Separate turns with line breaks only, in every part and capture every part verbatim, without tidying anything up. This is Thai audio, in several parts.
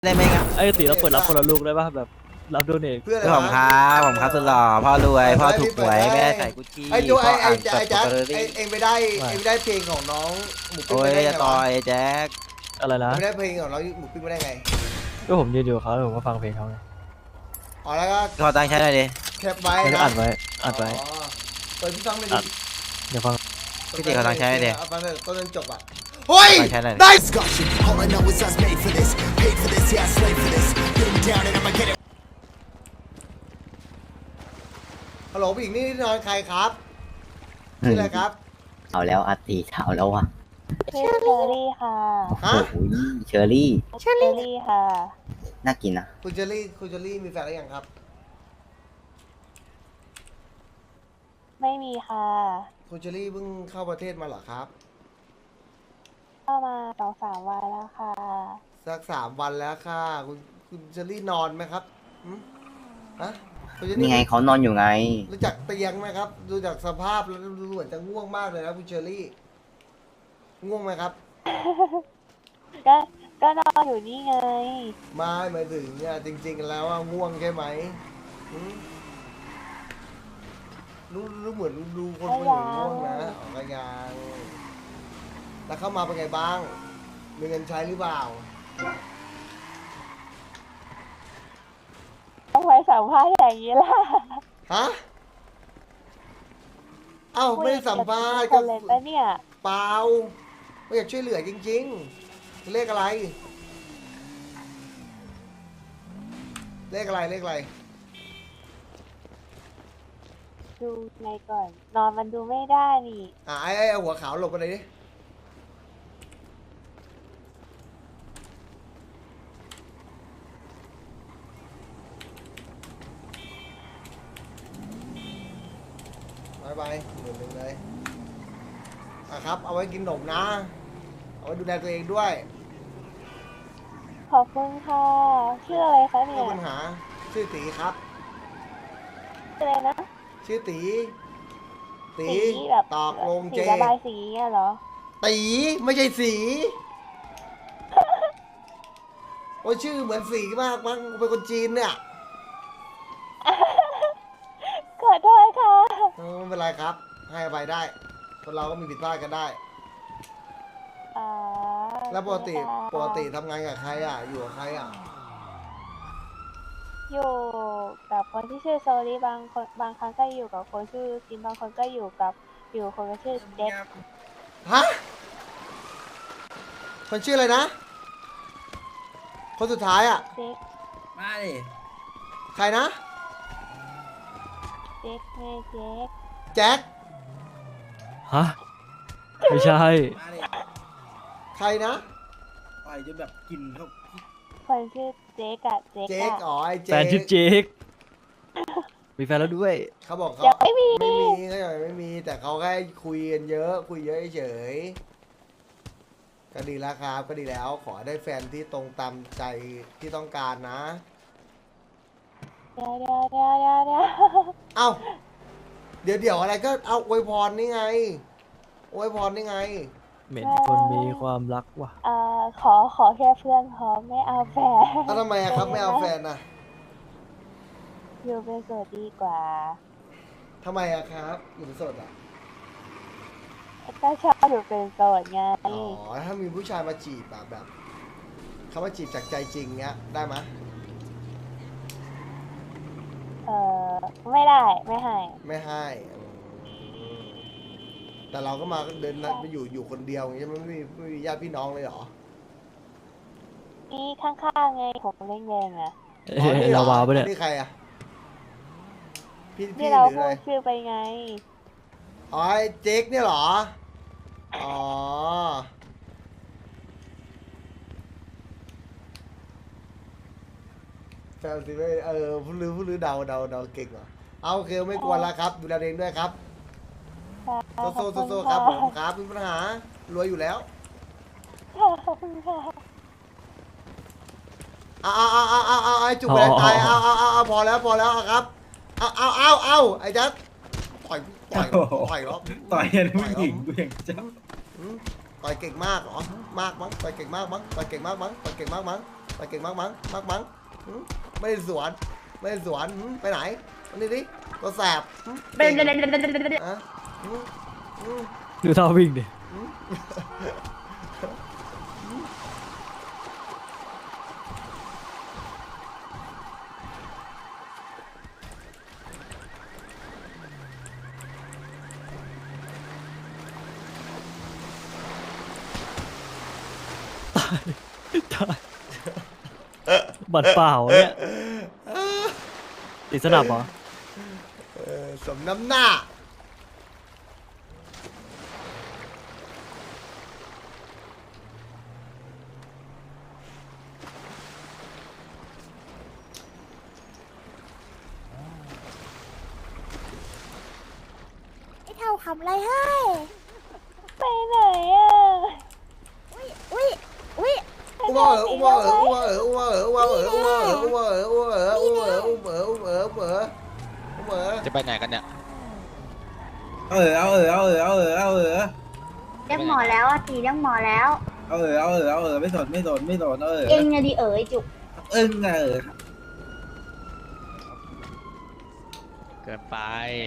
ได้ไหมครับ
ไอ้ตีเราเปิดรับคนละลูกได้ป่ะแบบรับโดเนท
เพื่ออะไร
ผมครับผมครับสุดหล่อพ่อรวยพ่อถูกหวยแม่ใส่กุชชี่
ไอ้จูไอ้ไอ้
พ่
ไอ้แจ๊ค
เปิด
ไอ้เองไปได้เองไปได้เพลงของน้องหมูปิ้ง
โอ้ย
มาได้ไง
จะต่อ
วะ
ยแจ็ค
อะไรนะ
ไม่ได้เพลงของน้องหมูปิ้งมาได้ไง
ก็ผมยืนอยู่กับเขาแล้วผมก็ฟังเพลงเขาไง
อ๋อแล้วก็
ขอตังค์ใช้หน่อยดิ
แคปไว้
แล้วก็
นะ
อัดไว้อัดไว้
อ๋อเปิดพี่ฟังเลย
อั
ดิ
ด เดี๋ยวฟัง
พี่ตีขอตังค์ใช้หน่อยดิ
เอาฟังเลยต้นจนจบอ่ะเฮ้ย
ตังค์ใช้หน่อยดิ
ได้
Discussion. All I know is I was made for this, paid for this, yeah, I slaved for this. Getting down and I'ma get it.
ฮัลโหลผู้หญิงนี่นอนใครครับชื่ออะไรครับ
เอาแล้วอาตีเอาแล้วว่ะ
ชื่อเชอรี่ค่ะ
โอ้โหเชอรี่
เชอรี่ค่ะ
น่ากินนะ
คุณเจอรี่คุณเจอรี่มีแฟนหรือยังครับ
ไม่มีค่ะ
คุณเจอรี่เพิ่งเข้าประเทศมาเหรอครับ
เข้ามาสองสามวันแล้วค่ะ
สักสามวันแล้วค่ะ คุณคุณเจอรี่นอนไหมครับหืมฮะคุณเจอรี่
นี่ไงเขานอนอยู่ไง
รู้จักเตียงไหมครับ ดูจากสภาพแล้วดูเหมือนจะง่วงมากเลยนะคุณเชอรี่ ง่วงไหมครับ
ก็ก็นอนอยู่นี่ไง
ไม่หมายถึงเนี่ยจริง ๆ แล้วว่าง่วงใช่ไหมหืมรู้รู้เหมือนดูคนคนอื่นง่วงนะออกกยางแล้วเข้ามาเป็นไงบ้าง มีเงินใช้หรือเปล่า
ต้องไปสัมภาษณ์อย่างนี้ล่ะ
ฮะ เอ้าไม่ได้สัมภาษณ์
ค
ก็
นเลยปะเนี่ย
เปล่าไม่อยากช่วยเหลือจริงๆ เลขอะไร เลขอะไรเลขอะไร
ดูในก่อน นอนมันดูไม่ได้นี่
อ่ะไอ้ไอ้เอาหัวขาวหลบไปเลยดิบายบายหนึ่งหนึ่งเลยอ่ะครับ เอาไว้กินขนมนะ เอาไว้ดูแลตัวเองด้วย
ขอบคุณค่ะ ชื่ออะไรคะ
ไม่
เนี่
มี
ย
ปัญหา ชื่อตีครับ
ชื่ออะไรนะ
ชื่อตี ตี
สีแบบ
ตอกลง
สี
เจ
ระบายสีเงี้ยเหรอ
ตีไม่ใช่สี โอ้ยชื่อเหมือนสีมากมั้งเป็นคนจีนเนี่ย
ขอโทษค่ะ
เออไม่เป็นไรครับ ให้อภัยได้ คนเราก็มีผิดพลาดกันได้
อ่า
แล้วปกติ
ค่ะ
ปกติทำงานกับใครอ่ะ อยู่กับใครอ่ะ
อยู่กับคนที่ชื่อโซลี่บางคนบางครั้งก็อยู่กับคนชื่อจินบางคนก็อยู่กับอยู่คนก็ชื่อเจ็ด
ฮะ คนชื่ออะไรนะ คนสุดท้ายอ่ะ
เจ็ก
มาดิ
ใครนะ
เจ็กไงเจ็ก
แจ็ค
ฮะไม่ใช่
มาดิ
ใครนะ
ต่อยจนแบบกินเขา
คนชื่อเจ๊กอะเจ๊ก
เจ๊ก
อะ
อ๋อไอ้
แฟ
เจ๊
นชื่อเจคมีแฟนแล้วด้วย
เขาบอกเขา
ยังไม่มี
ไม่มีเขายังไม่มี แต่เขาแค่คุยกันเยอะ คุยเยอะเฉยๆก็ดีแล้วครับ ก็ดีแล้ว ขอให้ได้แฟนที่ตรงตามใจที่ต้องการนะ
เดี๋ยวเดี๋ยวเดี๋ยวเดี๋ยวเดี๋ยว
เอ้า เดี๋ยวเดี๋ยวอะไรก็เอาอวยพรนี่ไงอวยพรนี่ไง
เหม็นคนมีความรักว่ะ
เอ่อขอขอแค่เพื่อนพอไม่เอาแฟน
แล้วทำไมอะครับไม่เอาแฟนนะ
อยู่เป็นโสดดีกว่า
ทำไมอะครับอยู่เป็นโสดอะ
ก็ชอบอยู่เป็นโสดไง
อ๋อถ้ามีผู้ชายมาจีบอะแบบเขามาจีบจากใจจริงเงี้ยได้ไหมย
เอ่อไม่ได้ไม่ให้
ไม่ให้อืมแต่เราก็มาเดินมาอยู่อยู่คนเดียวอย่างเงี้ยไม่มีไม่มีญาติพี่น้องเลยเหรอ
นี่ข้างๆไงผมเล่นเองอะ
เอ้ยเราวาวปะเนี่ย
นี่ใครอะพี่พี่
ที่
ห
เรา
รือ
พู
อะไร
ดชื่อไปไง
อ๋อไอ้เจ๊กเนี่ยเหรออ๋อแฟนสิไม่เออผู้ลือผู้ลือเดาเดาเดาเก่งเหรอเอาโอเคไม่กวนแล้วครับดูแลตัวเองด้วยครับ โซโซโซโซครับผมครับมีปัญหารวยอยู่แล้ว
ขอบคุณค่ะ
เอาเอาเอาเอาเอาเอาไอ้จุกไปเลยตายเอาเอาเอาเอาพอแล้วพอแล้วเอาครับเอาเอาเอาเอาไอ้จัดต่อยต่อยต่อยเหรอ
ต่อยกันผู้หญิงกูอย่างเจ้า
หืมต่อยเก่งมากเหรอมากมั้งต่อยเก่งมากมั้งต่อยเก่งมากมั้งต่อยเก่งมากมั้งต่อยเก่งมากมั้งมากมั้งหืมไม่ได้สวนไม่ได้สวนหืมไปไหนอันนี้ดิตัวแสบหืมเก่งอะหืมหืม
ดูท่าวิ่งดิ ตายตายบัดเปล่าเนี่ยติดสนับเหรอ
เออสมน้ำหน้า
ไอ้เท่าทำอะไรให้
ไปไหนอ่ะ
อุ้ยอุ้ยอุ้ย
อุ้มเอ๋ออุ้มเอ๋ออุ้มเอ๋ออุ้มเอ๋ออุ้มเอ๋ออุ้มเอ๋ออุ้มเอ๋ออุ้มเอ๋ออุ้มเอ๋ออุ้มเอ๋ออุ้มเอ๋ออุ้มเอ๋ออุ้มเอ๋ออุ้มเอ๋อ
จะไปไหนกันเนี่ย
เอาเออเอาเออเอาเออเอาเออเอาเออ
เรียกหมอแล้วอ่ะตีเรียกหมอแล้ว
เอาเออเอาเออเอาเออไม่สนไม่สนไม่สนเอาเออ
เองอะดิเอ๋ยจุก
เอิ้งเออ
เกินไป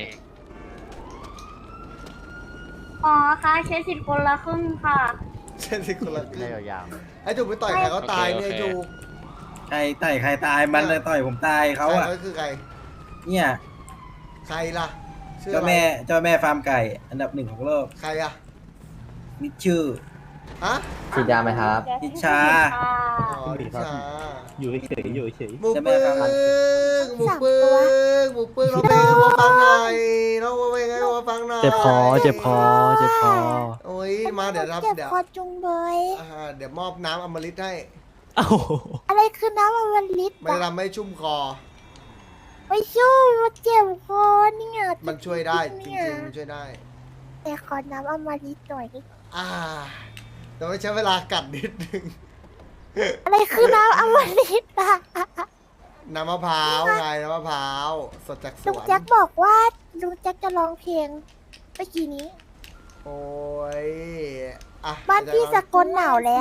อ๋อค่ะใช้สิทธิ์คนละครึ่งค่ะ
เช่นสิคนละครึ่ง
ยาว
ไอ้จุกไปต่อยใครเขาตายเนี่ยจุก
ใครต่อยใครตายมันเลยต่อยผมตายเขาอ่ะ
ใครคือใคร
เนี่ย
ใครล่ะชื่อ
เจ้า
อะไร
แม่เจ้าแม่ฟาร์มไก่อันดับหนึ่งของโลก
ใครอะ
นิชชื่อ
ฮะ
ฉีดยาไหมครับ
นิชา
ค่ะ
อ๋อนิชา
อยู่เฉยอยู่เฉย
หมูปึ้งหมูปึ้งหมูปึ้งเราเพลงมาฟังหน่อยเราเพลงให้มาฟังหน่อย
เจ็บคอเจ็บคอเจ็บคอ
โอ้ยมาเดี๋ยวรับ
เจ็บ
เดี๋ยว
คอจุงเบย
อ่าเดี๋ยวมอบน้ำอมฤตให้
เอ้า
อะไรคือน้ำอมฤต
มันจะ
อะ
ทำให้ชุ่มคอ
ไม่ช่วยมันเจ็บคอเนี่ย
มันช่วยได้จ
เนี่
ริงๆมันช่วยได้
แต่ขอน้ำอมฤตหน่อยดิ
อ่าแต่ไม่ใช้เวลากัดนิดนึง
อะไรคือน้ำอมฤตอะ
น้ำมะพร้าวไงน้ำมะพร้าวสดจากส
ลุง
วน
แจ็คบอกว่าลุงแจ็คจะร้องเพลงเมื่อกี้นี้
โอ้ยอ่ะ
บ้านพี่สกลหนาวแล้ว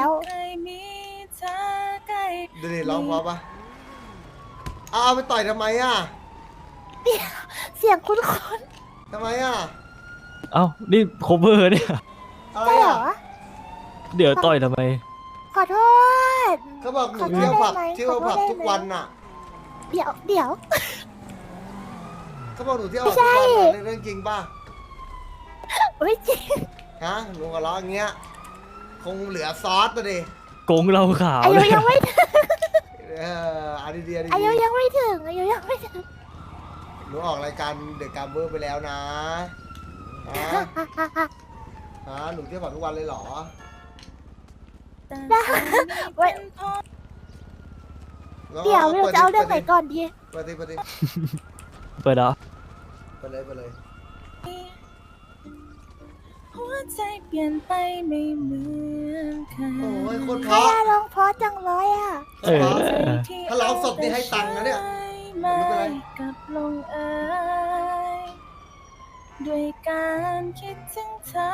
ดูดิร้องเพราะปะเอาเอาไปต่อยทำไมอ่ะ
เสียงคุ้น
ทำไมอ่ะ
เอ้านี่โคเวอร์เนี่ย
อะไร
ๆใช่เหร
อ่ะ
อ
เดี๋ยวต่อยทำไม
ขอโทษ
เขาบอกหนู
ขอโทษ
เที่ยวผับ
ได้ไหม
เที่ยวผับ
ขอโทษได้ไหม
ทุกวันน่ะ
เดี๋ยวเดี๋ยว
เขาบอกหนูเที่ยวผับ
ไม่
ทุ
ใช่
กวันน่ะเรื่องจริงป่ะ
ไม่จริง
ฮะลุงกับล้ออย่างเงี้ยคงเหลือซอสตัวดิ
โกงเราขาว
อายุ
เลย
ยังไม่ถึง
เอออันนี้ดีอันนี้
อายุ
ดี
ยังไม่ถึงอายุยังไม่ถึง
หนูออกรายการเดอะการเบอร์ไปแล้วนะฮะฮะหนูเที่ยวผับทุกวันเลยเหรอ
ได้ไว้เดี๋ยวเราจะเอาเรื่องไหนก่อนดี
เปิดดิเปิดดิ
เปิดเหรอ
เปิดเลยเปิดเลย
หัวใจเปลี่ยนไปไม่เหมือนเค
โอ้ย
ย
โคตรเพ
ใคร
ราะ
อะร้องเพราะจังเลยอ่ะ
เออ
ถ้าร้องสดนี่ให้ตังค์นะเนี่ย ไม่เป็นไร
กับลงเอยด้วยการคิดถึงเธอ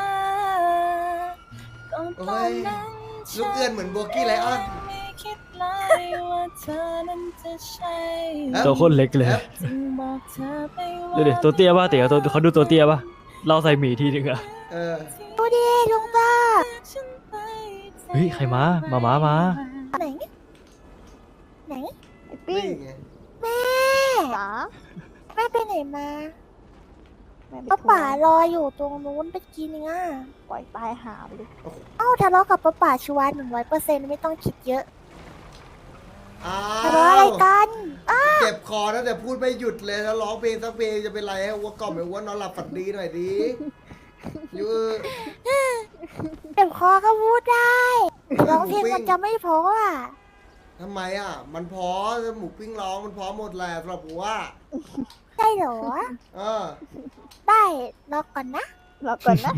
ก็ตอนนั้น
ลูกเอื้อนเหมือนโบกี้ไลออน
ไม่คิดเลยว่าเธอนั้นจะใช่
ตัวโคตรเล็กเลย
จึงบอกเธอไปว่า
ดูดิตัวเตี้ยป่ะเตี๋ยตัวเขาดูตัวเตี้ยป่ะเราใส่หมีทีนึงอะ
เออ
ดูดิลุงตา
เฮ้ยใครมามามามา
ไหน ไหน
นี่ไง
แม่แม่ไปไหนมาป้าป่ารออยู่ตรงนู้นไปกินอ่ะ
ปล่อยตายหาไปเลย
เอ้าทะเลาะกับป้าป่าชัวร์หนึ่งร้อยเปอร์เซ็นต์ไม่ต้องคิดเยอะ
อ้า
ทะเลาะอะไร
ว
กันอ้า
เจ็บคอนะแต่พูดไม่หยุดเลยแล้วร้องเพลงสักเพลงจะเป็นไรให้วัวกล่อมให้วัวนอนหลับฝันดีหน่อยดิยู
เจ็บคอก็พูดได้ร้องเพลงมันจะไม่เพราะอ่ะ
ทำไมอ่ะ มันพอหมูปิ้งร้องมันพอหมดแหละสำหรับกูว่า
ได้เหรอ
เออ
ได้รอก่อนนะ
รอก่อนนะ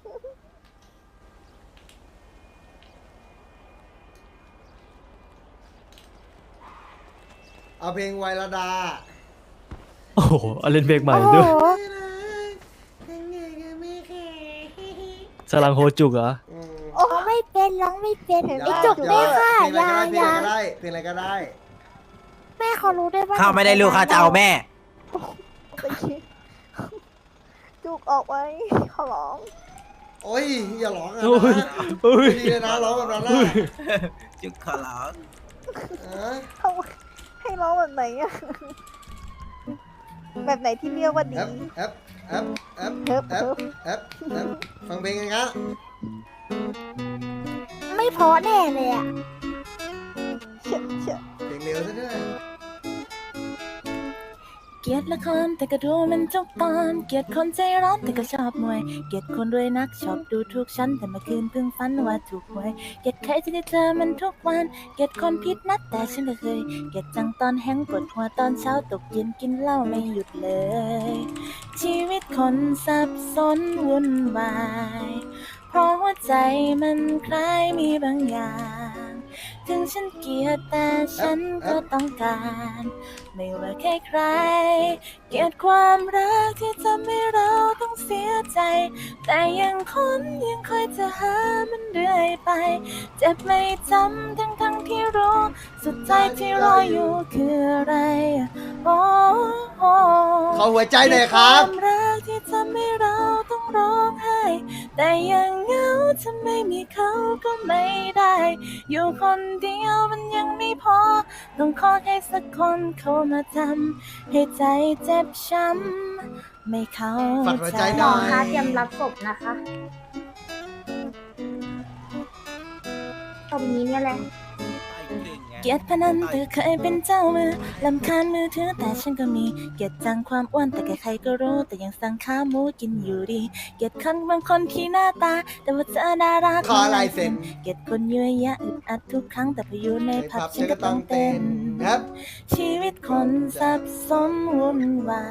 เอาเพลงไวระดา
โอ้โหเอาเล่นเพลงใหม่
โอ้โห
ด้วยสลังโฮจุกเหรอ
อืม
โอ้ไม่เป็นร้องไม่เป็น
อย่
ไอ้จุก
อย่
ไม่ค่ะ
เพลง
อ
อะไร
ยา
ก็ได้
อยา
เพลงอะไรก็ได้
แม่เขารู้ด้วยว่า
ข้าไม่ได้ลูกข้าจะเอาแม่
จุกออกไว้ขอร้อง
โอ้ยอย่าร้องอ่ะ
โอ้ย
นะ
โอ้ย
ไม่ดีเลยนะร้องแบบนั้นนะ
จุกขอร้อง
เออ
เอาให้ร้องแบบไหนอะแบบไหนที่เรียกว่าดี
แอปแอปแอปแอปแอปแอปแอปฟังเพลงกันครับ
ไม่เพอแน่เลยอะเชื่อเชื่อ
เพลงเร็วซะด้วย
เกลียดละครแต่ก็ดูมันทุกตอน เกลียดคนใจร้อนแต่ก็ชอบมวย เกลียดคนรวยนักชอบดูถูกฉันแต่เมื่อคืนเพิ่งฝันว่าถูกหวย เกลียดใครที่ได้เจอมันทุกวัน เกลียดคนผิดนัดแต่ฉันก็เคย เกลียดจังตอนแห้งปวดหัวตอนเช้าตกเย็นกินเหล้าไม่หยุดเลย ชีวิตคนสับสนวุ่นวาย เพราะหัวใจมันคล้ายมีบางอย่าง ถึงฉันเกลียดแต่ฉันก็ต้องการ ไม่ว่าใครใครๆเกลียดความรักที่ทำให้เราต้องเสียใจ แต่ยังคนยังคอยจะหามันเรื่อยไป เจ็บไม่จำทั้งทั้งๆที่รู้ สุดท้ายที่รออยู่คืออะไรโอ้โอ้
ขอหัวใจหน่อยครับ
ความรักที่ทำให้เราต้องร้องไห้ แต่ยังเหงาถ้าไม่มีเขาก็ไม่ได้ อยู่คนเดียวมันยังไม่พอ ต้องขอให้สักคนเข้ามาทำให้ใจเจ็บช้ำไม่เข้า
ฝากหัว
ใจ
ใจหน่อย
คะเตรียมรับศพนะคะตรงนี้เนี่ยแหละ
เกลียดพนันแต่เคยเป็นเจ้ามือลำคาญมือถือแต่ฉันก็มี เกลียดจังความอ้วนแต่ใครๆก็รู้แต่ยังสั่งขาหมูกินอยู่ดี เกลียดคนบางคนที่หน้าตา แต่ว่าเธอน่ารัก
ขอลายเซ็น
เกลียดคนยั่วยะอึดอัดทุกครั้งแต่พออยู่ในผับ
ครับ
ฉันก็ต้องเต้น
ครับ
ชีวิตคนสับสนวุ่นวาย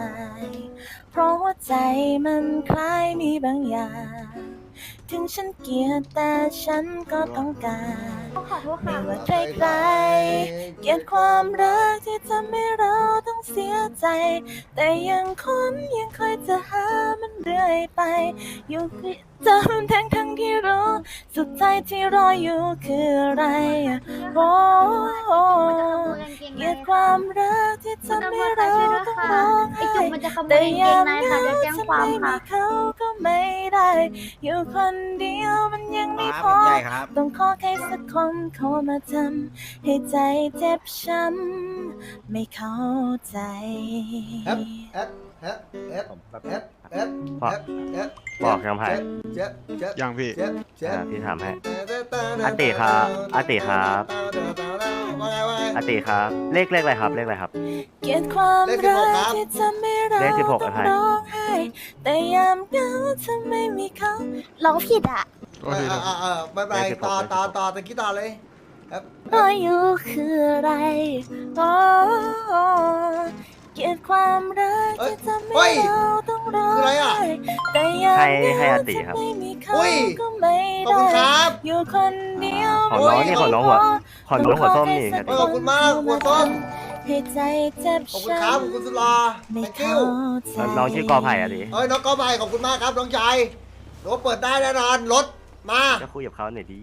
เพราะว่าใจมันคล้ายมีบางอย่าง ถึงฉันเกลียดแต่ฉันก็ต้องการ
ขอโทษ
ไม่
ค่ะ
ว่าใครๆเกลียดความรักที่ทำให้เราต้องเสียใจ แต่ยังคนยังคอยจะหามันเรื่อยไป อยู่จำทั้งทั้งๆที่รู้ สุดท้ายที่รออยู่คืออะไรโอ้โอ้เกลียดความรักที่ทำให้เราต้องร้องไห้
ไอ้จุกมันจะขโม
แต่
ยกางเก
ยัง ง
ใน
เห
ค่ะ
งา
จะแจ้ง
ถ้า
ความ
ไม่มี
ค่ะ
เขาก็ไม่ได้ อยู่คนเดียวมันยังไม่พอ
ใหญ่ครับ
ต้องขอใครสักคนเข้ามาทำให้ใจเจ็บช้ำไม่เข้าใจ
แอปแอปแอปแอปแอปแอปแอปแอป
บอกยังไง
เจ็บเจ็บ
ยังพี่
เจ็บเจ็บ
อ่าพี่ถามให้
อา
อาติครับอาติครับ
ว่าไงว่าไง
อาติครับ เลขเลขอะไรครับ เลขอะไรครับ
เกลียดความ
เลขสิบห
รั
ก
ก
ครับ
ที่ทำให้เรา
เลขสิบหก
ต้อง
อะไร
ร้องไห้แต่ยามเหงาถ้าไม่มีเขา
ร้องผิดอะ
เออเออเออไม่เป็นไรต่อต่อต่อตะกี้ต่อเลยครับ
รออยู่คืออะไรโอ้เกลียดความรักที่ทำให้เราต้องร้องไห้แต่ยาม
ให้
เห
ให้
งา
อาติ
ถ้า
ครับ
ไม่มีเขา
อุ้ย
ก็ไม่
ขอบ
ได้
คุณครับ
อยู่คนเดียว
ของน้องนี่ของน้องหัวของน้องหัวส้มนี่
เออขอบคุณมากหัวส้ม
ให้ใจเจ็บ
ขอบคุณครับขอบคุณสุลา
ไม่
thank
เข้า
you
ใจ
น้องชื่อกอไผ่อะดิ
เอ้ยน้องก็ไปขอบคุณมากครับน้องชายรถเปิดได้แน่นอนรถมา
ก็คุยกับเขาหน่อยดิ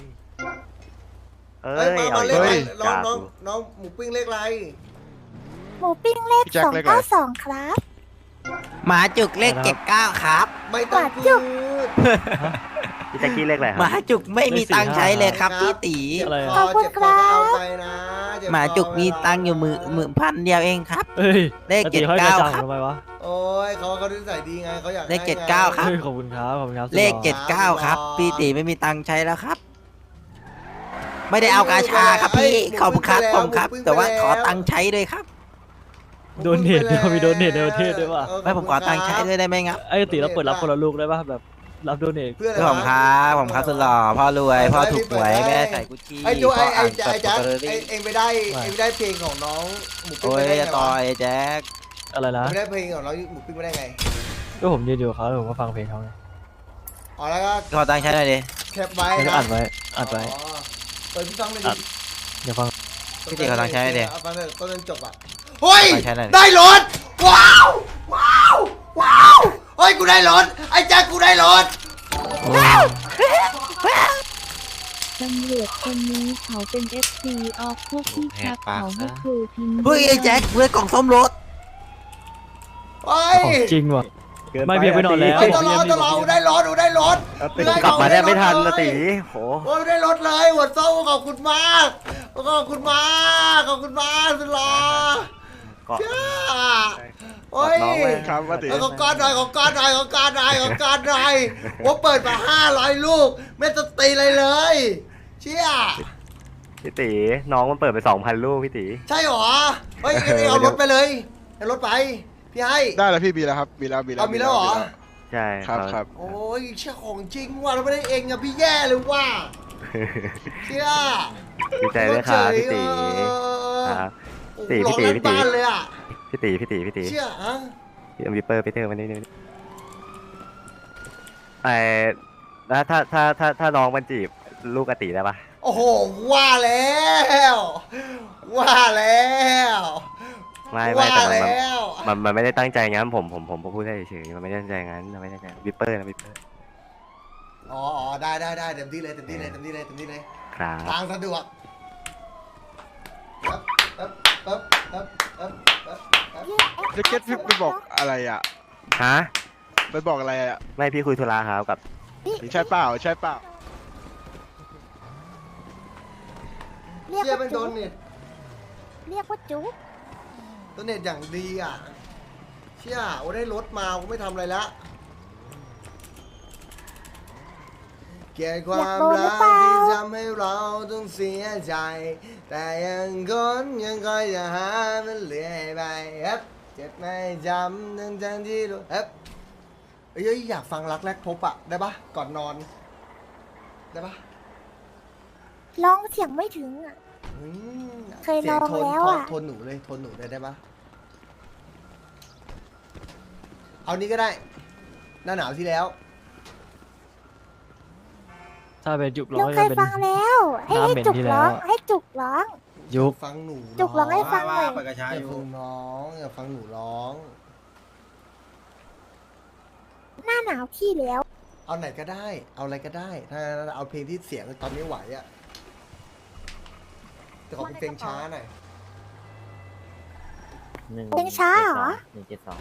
เอ้
เอ้ย
ย
มา
เอา
มา
อี
เล
ก
ขอะไร
แล้ว
น้อง
จ้า
น้อง
กู
น้องหมูปิ้งเลขอะไร
หมูปิ้งเลข
พี่แจ็
ส
ค
อง
เลขอะไร
เก้าสองครับ
หมาจุกเลขเจ็ดเก้าครับ
ไม่ต้อง
หวาน
พู
จุก
ด
พี่แจ็คกี้เลขอะไรค
ห
รับ
มาจุกไม่มีตังค์ใช้เลยครับพี่ตี
เจ็บ
อะไรอะ
คอเจ็บคอก็เอาไปนะเจ็บคอ
หมาจุกมีตังค์อยู่มือมือพันเดียวเองครับ
เอ้ย
เลข
ปติห้อย
เจ็ดเก้า
ระจัง
ครับ
ทำไมวะ
โอ้ยเขาเขานิสัยดีไงเขาอยาก
เลข
ให้
เจ็ดเก้าครับ
เฮ้ยขอบคุณครับขอบคุณครับ
เลข
สุดหล่อ
เจ็ดเก้าครับพี่ตีไม่มีตังค์ใช้แล้วครับ ไม่ได้เอากาชาครับพี่ขอบคุณครับขอบคุณครับ แต่ว่าขอตังค์ใช้ด้วยครับ
โดนเนทเนี่ยมีโดนเนทในประเทศด้วยป่ะ
เออ
ไม่ผมขอตังค์ใช้ด้วยได้ไหมครับ
ไอ้ตีเราเปิดรับคนละลูกได้ป่ะแบบรับโดเนท
เพื่อน
ผมครับผมครับสุดหล่อพ่อรวยพ่อถูกหวยแม่ใส่กุชชี่
ไอ้จูไอ้ไอ้
พ่
ไอ้แจ๊ค
อ่าน
ไอ้เองไปได้เองไปได้เพลงของน้องหมูปิ้ง
โอ้ย
ไปได้ไง
จะต่อ
วะ
ไอ้แจ็ค
อะไรนะ
ไม่ได้เพลงของน้องหมูปิ้งไปได้ไง
ก็ผมยืนอยู่กับเขาแล้วผมก็ฟังเพลงเขาไง
อ๋อแล้วก็
ขอตังค์ใช้หน่อยดิ
แคปไว้
แล้วก็
นะ
อัดไว้อัดไว้
อ๋อเปิดพี่ฟังเลย
อั
ดิ
ด เดี๋ยวฟัง
พี่ตีขอตังค์ใช้หน่อยดิ
เอาฟังเลยต้นจนจบอ่ะเฮ้ย
ตังค์ใช้หน่อยดิ
ได้รถว้าวว้าวว้าวเฮ้ยกูได้รถไอ้แจ๊คกูได้รถ
ตำรวจคนนี้เขาเป็น เอฟ ซี ออฟพวกที่ชักเขาให้ครูพิมพ์
เฮ้ยไอ้แจ็คเพื่อนกล่องส้มรถ
เฮ้ย
ของจริงว่ะ ไม่เพียงไปนอนแล้ว
เฮ้ยตลอดตลอดได้รถดูได้รถ
กลับมาได้ไม่ทันนะตีโห
โอ้ยได้รถเลยหัวโซ่ขอบคุณมากขอบคุณมากขอบคุณมากสุดหล่อ
เกาะ
เจ้าโอ้ย
น้องไว้
ครับว่าติ
เอาของก้อนหน่อยของก้อนหน่อยของก้อนหน่อยของก้อนหน่อยว่าเปิดมาห้าร้อยลูกไม่ต้องตีอะไรเลย เชี่ย
พี่ตีน้องมันเปิดไปสองพันลูกพี่ตี
ใช่หรอเฮ้ยเอารถไปเลยเอารถไปพี่ให้
ได้แล้วพี่มีแล้วครับมีแล้วมีแล้ว
เอามีแล้วเหรอ
ใช่
ครับครับ
โอ้ยเชี่ยของจริงว่ะเราไม่ได้เองอะพี่แย่เลยว่ะเชี่ย
ดีใจด้วยครับพี่ตีครับ ตี
ตี
พี่
พี่
ตี
ตี
พี่ตี
บ้านเลยอะ
พี่ตีพี่ตีพี่ตี
เชี่ยอะ
พี่เอาวิปเปอร์ไปเตอร์มานี่นี่ไอ้แล้วถ้าถ้าถ้าถ้าน้องมันจีบลูกอติได้ปะ
โอ้โหว่าแล้วว่าแล้ว
ไม่ไม่
ว่า
แต่มัน
แล้ว
มันมันไม่ได้ตั้งใจงั้นผมผมผมพูดได้เฉยๆมันไม่ได้ตั้งใจงั้นมันไม่ได้ตั้งใจวิปเปอร์นะวิปเปอร์
อ๋ออ๋อได้ได้ได้เต็มที่เลยเต็มที่เลยเต็มที่เลยเต็มที่เลย
ครับ
ทางสะดวกปั๊บปั๊บปั๊บปั๊บปั๊บปั๊บปั๊บ
แจ็คเก็ตพี่ไปบอกอะไรอ่ะ
ฮะ
ไปบอกอะไรอ่ะ
ไม่พี่คุยธุระครับกับ
ใช่เปล่าใช่เปล่า
เรียก
เชี่ย
ว่า
เป็นโด
จุ๊
น
บ
เน็ต
เรียกว่าจุ๊บ
โดนเน็ตอย่างดีอ่ะเชี่ยโอ้ได้รถมากูไม่ทำอะไรละเกลียดความรักที่ทำให้เราต้องเสียใจ แต่ยังคนยังคอยจะหามันเรื่อยไปเฮ้ยเจ็บไม่จำทั้งทั้งที่รู้เฮ้ยเอ้ยอยากฟังรักแรกพบอะได้ปะก่อนนอนได้ปะ
ร้องเสียงไม่ถึงอ่ะ
อืม
เคยลอง
สีโทน
แล้วอะ
โทนหนูเลยโทนหนูเลยได้ปะเอานี้ก็ได้ หน้าหนาวที่แล้ว
ถ้าเป็นยุคร้
เรา
อง
เค
จะ
ย
เป็น
ฟังแล้ว ให้
น้ำ
ให้
เหม็น
จุก
ที่
ร้อง
แล้ว
ให้จุกร้อง
ยุค
ฟังหนู
จุกร้องให้ฟังหน่อย
ไปกระชา
อย่า
อยู่
ฟังน้องอย่าฟังหนูร้อง
หน้าหนาวที่แล้ว
เอาไหนก็ได้ เอาอะไรก็ได้ ถ้าเอาเพลงที่เสียงตอนนี้ไหวอะแต่ขอเป็นเพลงช้าหน่อย
เพลงช้าเหรอ
หนึ่งเจ็ดสอง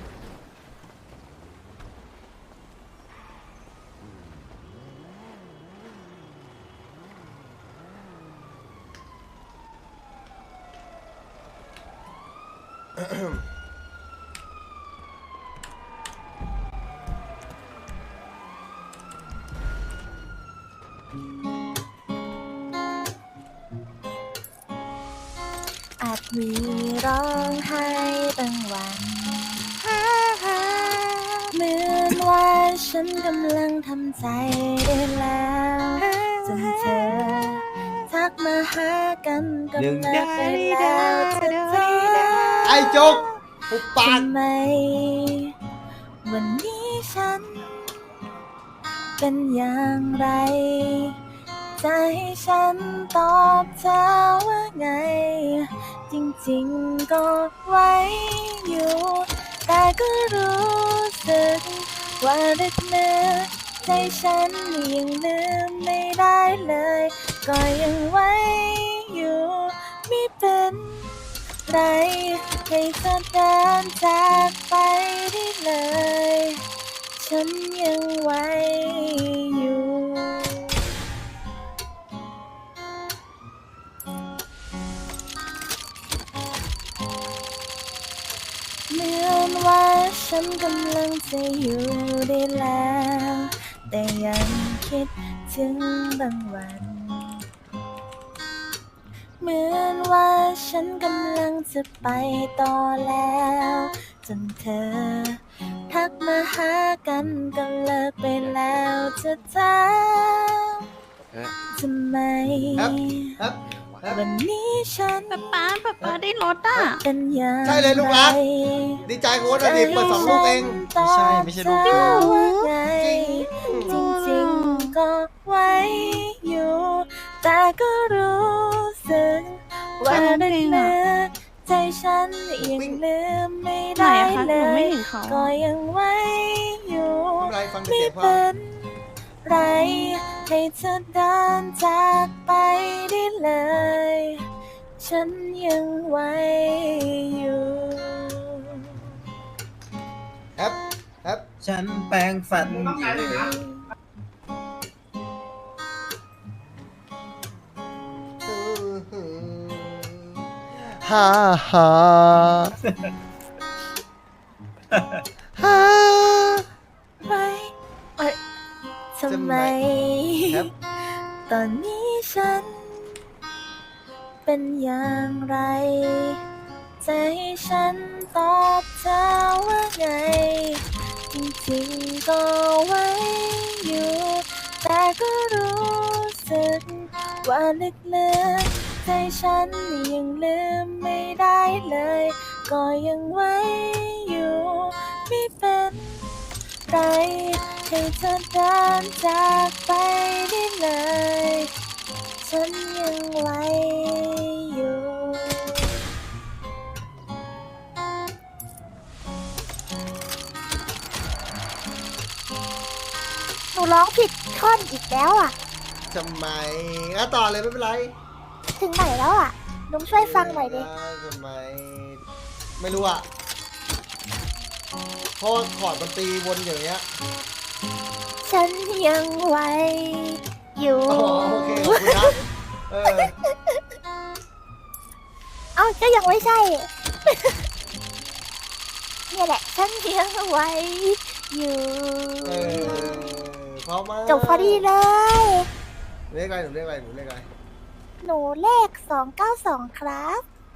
อาจมีร้องไห้บางวันเหมือนว่าฉันกำลังทำใจได้แล้วจนเธอทักมาหากันก็เลิกไปแล้วจะเธอ
ไอ้จุกปุบปาก
ทำไม วันนี้ฉัน เป็นอย่างไร จะให้ฉันตอบเธอว่าไง จริงๆก็ไว้อยู่ แต่ก็รู้สึกว่าลึกเนื้อใจฉันยังลืมไม่ได้เลย ก็ยังไว้อยู่ไม่เป็นไร ให้เธอเดินจากไปได้เลย ฉันยังไว้อยู่ เหมือนว่าฉันกำลังจะอยู่ได้แล้ว แต่ยังคิดถึงบางวัน เหมือนว่าฉันกำลังจะไปต่อแล้ว จนเธอ ทักมาหากันก็เลิกไปแล้วจะถามทำไม
ครับครับ
วันนี้ฉัน
ป๊าป๊าป๊าป๊าได้รถอ่ะ
เป็นอย่าง
ใช่เลยลูกรัก ดีใจโค้ดอดีตเปิดสองลูกเอง
ไม่ใช่ไม่ใช่ลูกไงจริงๆก็ไว้อยู่ แต่ก็รู้สึกว่าในเนื้อใจฉันยังลืมไม่ได้เลย ก็ยังไว้อยู่
ไม่เป็นไรฟังแต่
ไม่
เสียงพอ
เป็นไรให้เธอเดินจากไปได้เลย ฉันยังไหวอยู่
แฮปแฮป
ฉันแปลงฟันอยู่
ฮ่าฮ่าฮ่า
ไม่เอ้ยทำไม
ครับ
ตอนนี้ฉัน เป็นอย่างไรจะให้ฉันตอบเธอว่าไง จริงๆก็ไว้อยู่ แต่ก็รู้สึกว่าลึกๆใจฉันยังลืมไม่ได้เลย ก็ยังไว้อยู่ไม่เป็นไรให้เธอเดินจากไปได้เลย ฉันยังไหวอยู่
หนูร้องผิดท่อนอีกแล้วอ่ะ
ทำไมอ่ะต่อเลยไม่เป็นไร
ถึงไหนแล้วอ่ะลุงช่วยฟังหน่อยดิ
ทำไม ไม่รู้อ่ะเพราะว่าคอร์ดมันตีวนอย่างเงี้ย
ฉันยังไหวอยู่
อ๋อโอเคขอบคุณนะเออ
เอ้าก็ยังไม่ใช่ เนี่ยแหละ ฉันยังไหวอยู่
เออเพราะมา
จบพอดีเลย
เรียกอะไรหนูเรียกอะไรหนูเรียกอะไร
หนูเลขสองเก้าสองครับ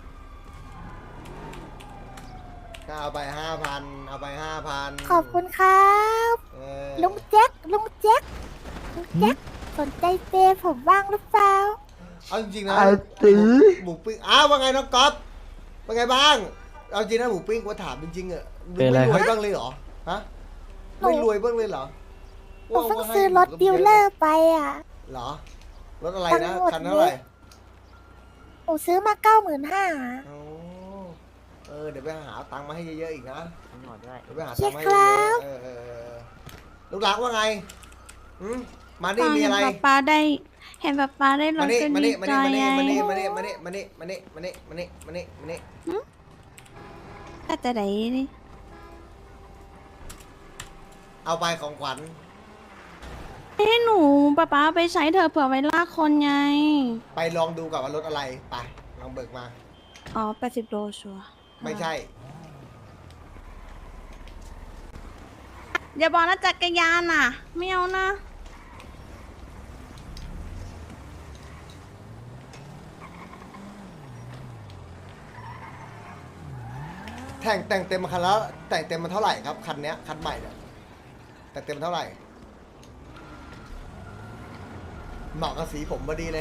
ก็เอาไปห้าพันเอาไปห้าพัน
ขอบคุณครับ ลุงแจ็คลุงแจ็คลุงแจ็คสนใจเปย์ผมบ้างหรือเปล่า
เอาจริงๆนะหมูปิ้งอ้าวว่าไงน้องก๊อฟเป็นไงบ้างเอาจริงนะหมูปิ้งกูถามจริงๆอะ
เป็นไร
ไม่ร
ครั
วย
บ
บ้างเลยเหรอฮะ
หนู
ไม่รวยบ้างเลยเหรอ
หนูเพิ่งซื้อรถดิวเลอร์ไปอ่ะ
เหรอรถอะไรนะ
ทั้งหมด
คันเท่าไหร่
หนูซื้อมาเก้าหมื่นห้า
โอ้เออเดี๋ยวไปหาตังค์มาให้เยอะๆอีกนะเดี๋ยวไปหา
เชี
ตั
ย
งค์มา
ร์
ให้
ค
เย
รั
อะ
บ
ๆเออเออเออลูกหลักว่าไงอืมมานี่มีอะไร
เห็นป๊าป๊าได้ เห็นป๊าป๊าได้ร
มา
ถ
นี่
ก็
มา
ดี
นี่มา
ใจ
นี่มา
ไง
นี่มานี่มานี่มานี่มานี่มานี่มานี่มานี่มานี่มานี่มานี่
ก็จะได้นี่
เอาไปของขวัญ
ให้หนูป๊าป๊าไปใช้เถอะเผื่อไว้ลากคนไง
ไปลองดูกับว่ารถอะไรไปลองเบิกมา
อ๋อแปดสิบโลชัวร์
ไม่ใช่
อย่าบอกนะจักรยานอ่ะ ไม่เอานะ
แต่งแต่งเต็มมาคันแล้วแต่งเต็มมาเท่าไหร่ครับคันเนี้ยคันใหม่เนี่ยแต่งเต็มเท่าไหร่เหมาะกับสีผมพอดีเลย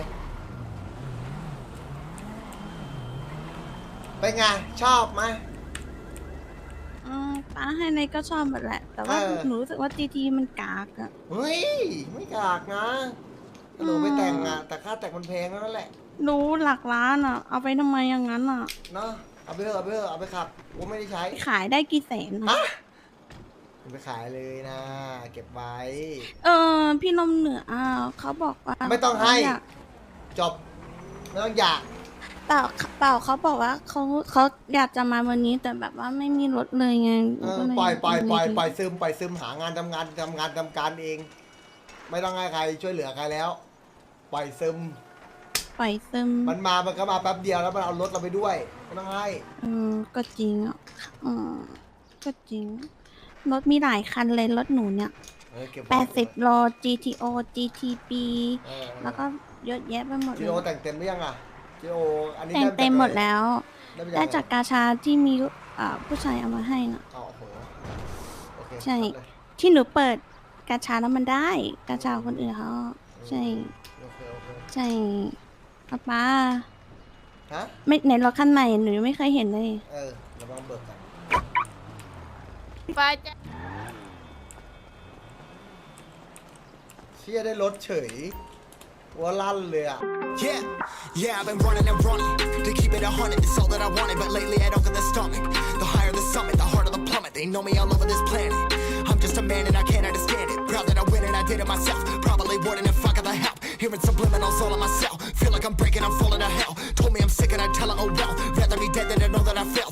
เป็นไงชอบไหม
อืมป้าให้ในก็ชอบหมดแหละ แต่ว่า
เออ
หนูรู้สึกว่าจีทีมันกากอะ
เฮ้ยไม่กากนะถ้าหนูไปแต่งอะแต่ค่าแต่งมันแพงนั่นแหละ
หนูหลักล้านอะเอาไปทำไมอย่างนั้นอะ
เนาะเอาไปเถอะเอาไปเถอะเอาไปขับกูไม่ได้ใช้
ขายได้กี่แสนอะ
ฮะเอาไปขายเลยนะ เก็บไว้
เออ พี่ลมเหนืออ่ะเขาบอกว่า
ไม่ต้องให้
อยาก
จบไม่ต้องอยาก
เปล่าเปล่าเขาบอกว่าเขาเขาอยากจะมาวันนี้แต่แบบว่าไม่มีรถเลยไง
เออ
ก็เล
ปล่อยปล่อยปล่อย
เล
ปล่อยซึมปล่อยซึมหางานทำงานทำงานทำการเอง ไม่ต้องให้ใครช่วยเหลือใครแล้ว ปล่อยซึม
ปล่อยซึม
มันมามันก็มาแป๊บเดียวแล้วมันเอารถเราไปด้วยไม่ต้องให้
เออก็จริงอ่ะอืมก็จริง รถมีหลายคันเลยรถหนูเนี่ย
เออเก็บไว้
แปดสิบโล จี ที โอ จี ที พี
เออ
แล้วก็เยอะแยะไปหมดเล
จี
ย
โอแต่งเต็มหรือยังอ่ะจีโออันนี้
แต่ง
ไ
เต็มหมดแล้ว
ได้มา
ได้
จาก
จากกาชาที่มีอ่าผู้ชายเอามาให้น่ะ
อ๋อโอ้โหโอเค
ใช่
ครับเลย
ที่หนูเปิดกาชาแล้วมันได้ กาชาคนอื่นเขาใช่
โอเคโอเค
ใช่ป๊าป๊า
ฮะ
ไม่ในรถคันใหม่หนูยังไม่เคยเห็นเลย
เออเราลองเบิกกัน
ป้าจะ
เชี่ยได้รถเฉยว่าลั่นเลยอ่ะ
Yeah, yeah, I've been running and running to keep it a hundred. It's all that I wanted, but lately I don't get the stomach. The higher the summit, the harder the plummet. They know me all over this planet. I'm just a man and I can't understand it. Proud that I win and I did it myself. Probably wouldn't if I got the Hearing subliminals all on myself. Feel like I'm breaking, I'm falling to hell. Told me I'm sick and I tell her, oh well. Rather be dead than to know that I failed.